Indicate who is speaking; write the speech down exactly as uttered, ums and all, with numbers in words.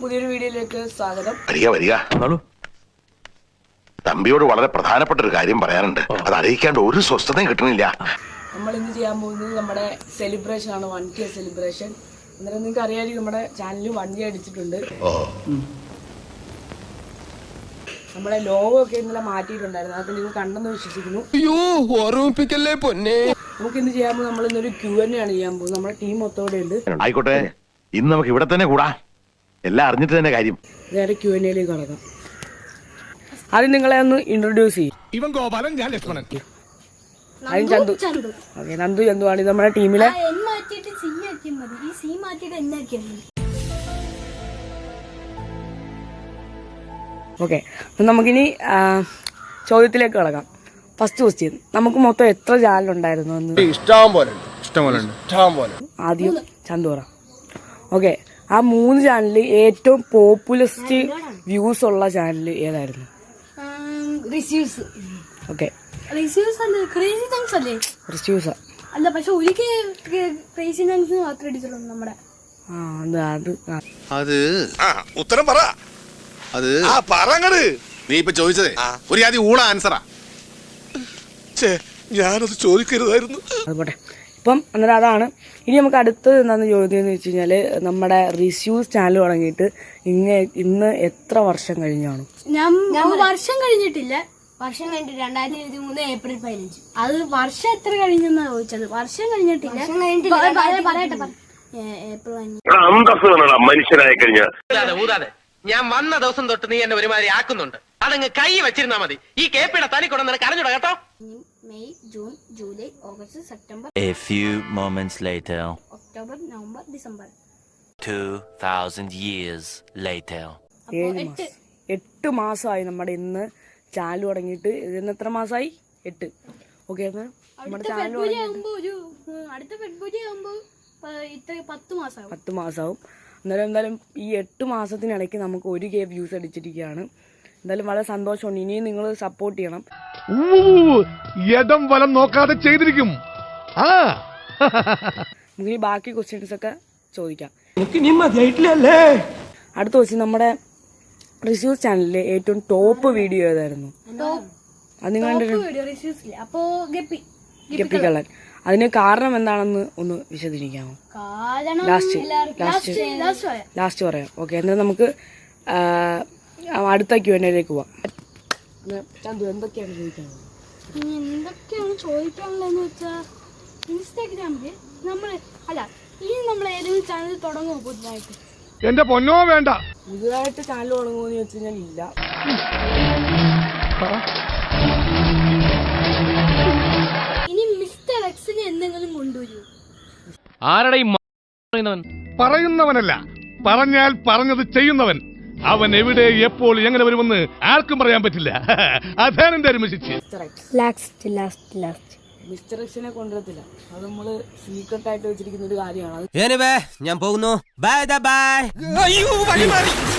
Speaker 1: പുതിയൊരു വീഡിയോയിലേക്ക് സ്വാഗതം.
Speaker 2: വരിക വരിക. തമ്പിയോട് വളരെ പ്രധാനപ്പെട്ട ഒരു കാര്യം പറയാനുണ്ട്. അത് അറിയിക്കാണ്ട് ഒരു സ്വസ്ഥതയും കിട്ടണില്ല.
Speaker 1: നമ്മൾ ഇന്ന് ചെയ്യാൻ പോകുന്നത് നമ്മുടെ സെലിബ്രേഷൻ ആണ്, വൺ കെ സെലിബ്രേഷൻ. അന്നേരം നിങ്ങൾക്ക് അറിയാമായിരിക്കും നമ്മുടെ ചാനലിൽ വൺ കെ അടിച്ചിട്ടുണ്ട്. നമ്മുടെ ലോഗോ ഒക്കെ ഇന്നലെ മാറ്റിയിട്ടുണ്ടായിരുന്നു. അതൊക്കെ നിങ്ങൾ കണ്ടെന്ന് വിശ്വസിക്കുന്നു. നമുക്ക് ഇന്ന് ചെയ്യാൻ പോകുന്നത് നമ്മൾ ഇന്നൊരു ക്യൂ എൻ ആണ് ചെയ്യാൻ പോകുന്നത്. നമ്മുടെ ടീം മൊത്തോടെ ഉണ്ട്.
Speaker 2: ആയിക്കോട്ടെ, ഇന്ന് നമുക്ക് ഇവിടെ തന്നെ കൂടാ. എല്ലാം അറിഞ്ഞിട്ട് തന്നെ കാര്യം. നേരെ
Speaker 1: ക്യൂ എൻ എയിലേക്ക് കടക്കാം. ആദ്യം നിങ്ങളെ ഒന്ന് ഇൻട്രൊഡ്യൂസ് ചെയ്യും.
Speaker 3: ഇവൻ ഗോപാലൻ, ഞാൻ ലക്ഷ്മണൻ.
Speaker 1: ആദ്യം ചന്തു. ഓക്കെ, നന്ദു ചന്തു ആണ് നമ്മുടെ ടീമിലെ. ഓക്കെ, അപ്പം നമുക്കിനി ചോദ്യത്തിലേക്ക് കിടക്കാം. ഫസ്റ്റ് ക്വസ്റ്റ്യൻ, നമുക്ക് മൊത്തം എത്ര ചാനൽ ഉണ്ടായിരുന്നു എന്ന്?
Speaker 3: ഇഷ്ടം പോലെ ഇഷ്ടം പോലെ ഇഷ്ടം പോലെ. ആദ്യം
Speaker 1: ചന്തു പറ. ഓക്കെ, ആ മൂന്ന് ചാനലിൽ ഏറ്റവും പോപ്പുലസ്റ്റ് വ്യൂസ് ഉള്ള ചാനൽ ഏതായിരുന്നു? ഓക്കെ,
Speaker 4: അല്ല, പക്ഷെ നമ്മുടെ
Speaker 5: അത് ഉത്തരം പറ. അത് നീ ഇപ്പൊ ചോദിച്ചതേ ഒരു ആദ്യം ഊള ആൻസറാ. ഞാനത് ചോദിക്കരുതായിരുന്നു.
Speaker 1: അത് പോട്ടെ. ഇപ്പം അന്നേരം അതാണ്. ഇനി നമുക്ക് അടുത്തത് എന്താണെന്ന് ചോദ്യം എന്ന് വെച്ച് കഴിഞ്ഞാൽ, നമ്മുടെ റിസ്യൂസ് ചാനൽ തുടങ്ങിയിട്ട് ഇന്ന് ഇന്ന് എത്ര വർഷം കഴിഞ്ഞാണ്?
Speaker 4: ഞാൻ വർഷം കഴിഞ്ഞിട്ടില്ല. വർഷം കഴിഞ്ഞിട്ട് രണ്ടായിരത്തി ഇരുപത്തി മൂന്ന് ഏപ്രിൽ പതിനഞ്ച്. അത് വർഷം എത്ര കഴിഞ്ഞെന്നാ ചോദിച്ചത്. വർഷം കഴിഞ്ഞിട്ടില്ല. പറയട്ടെ, ഏപ്രിൽ
Speaker 2: മനുഷ്യനായി കഴിഞ്ഞ
Speaker 6: ഞാൻ വന്ന ദിവസം തൊട്ട് നീ എന്നെ ഒരുമാതിരി ആക്കുന്നുണ്ട്. അതങ്ങ് കൈ വെച്ചിരുന്നാ മതി. ഈ കേപ്പിയുടെ തനി കൊണ്ടു നിനക്ക് അറിഞ്ഞൂടാ കേട്ടോ.
Speaker 4: May, June, July, August, September.
Speaker 7: A few moments later.
Speaker 4: October, November, December.
Speaker 7: Two thousand years later.
Speaker 1: എട്ട് മാസമായി നമ്മുടെ ഇന്ന് ചാനൽ തുടങ്ങിയിട്ട്. ഇതിന് എത്ര മാസമായി? എട്ട്. ഓക്കെ, നമ്മുടെ ചാനൽ
Speaker 4: അടുത്ത ഫെബ്രുവരി ആകുമ്പോ പത്ത് മാസമാവും.
Speaker 1: പത്ത് മാസമാവും. എന്നാലും എന്തായാലും ഈ എട്ട് മാസത്തിനിടയ്ക്ക് നമുക്ക് ഒരു കെ വ്യൂസ് അടിച്ചിരിക്കുകയാണ്. എന്തായാലും വളരെ സന്തോഷമുണ്ട്. ഇനിയും നിങ്ങൾ സപ്പോർട്ട് ചെയ്യണം.
Speaker 3: യദം വലം നോക്കാതെ ചെയ്തിരിക്കും.
Speaker 1: നമുക്കിനി ബാക്കി ക്വസ്റ്റ്യൻസ് ഒക്കെ ചോദിക്കാം. അടുത്ത ക്വസ്റ്റ്യൻ, നമ്മുടെ റിസ്യൂസ് ചാനലിലെ ഏറ്റവും ടോപ്പ് വീഡിയോ ഏതായിരുന്നു? അത് നിങ്ങൾ ഗപ്പിക്കള്ളൻ. അതിന് കാരണം എന്താണെന്ന് ഒന്ന് വിശദീകരിക്കാമോ? ലാസ്റ്റ് ലാസ്റ്റ് ലാസ്റ്റ് പറയാം. ഓക്കെ, എന്നാൽ നമുക്ക് അടുത്ത ക്യൂ എൻ എയിലേക്ക് പോവാം. ചന്തു, എന്തൊക്കെയാണ് ചോദിക്കാനുള്ളത്?
Speaker 4: എന്തൊക്കെയാണ് ചോദിക്കാനുള്ളതെന്ന് വെച്ചാൽ, ഇൻസ്റ്റാഗ്രാമില് നമ്മള് അല്ല ഈ നമ്മൾ ഏതെങ്കിലും ചാനൽ തുടങ്ങുമോ പുതുതായിട്ട്?
Speaker 3: എന്റെ പൊന്നോ വേണ്ട.
Speaker 1: പുതുതായിട്ട് ചാനൽ തുടങ്ങുമെന്ന് ചോദിച്ചു കഴിഞ്ഞാൽ ഇല്ല.
Speaker 4: ഇനി മിസ്റ്റർ എക്സിനെ എന്തെങ്കിലും കൊണ്ടുവരൂ.
Speaker 3: ആരുടെ പറയുന്നവനല്ല, പറഞ്ഞാൽ പറഞ്ഞത് ചെയ്യുന്നവൻ. അവൻ എവിടെ എപ്പോൾ എങ്ങനെ വരുമെന്ന് ആർക്കും പറയാൻ പറ്റില്ല. അതാണ് എന്റെ ഒരു മെസ്സേജ്.
Speaker 1: മിസ്റ്റർ എക്സിനെ കൊണ്ടുവരത്തില്ല. അത് നമ്മള് സീക്രട്ട് ആയിട്ട് വെച്ചിരിക്കുന്ന ഒരു കാര്യമാണ്.
Speaker 6: ഞാൻ പോകുന്നു. Bye by.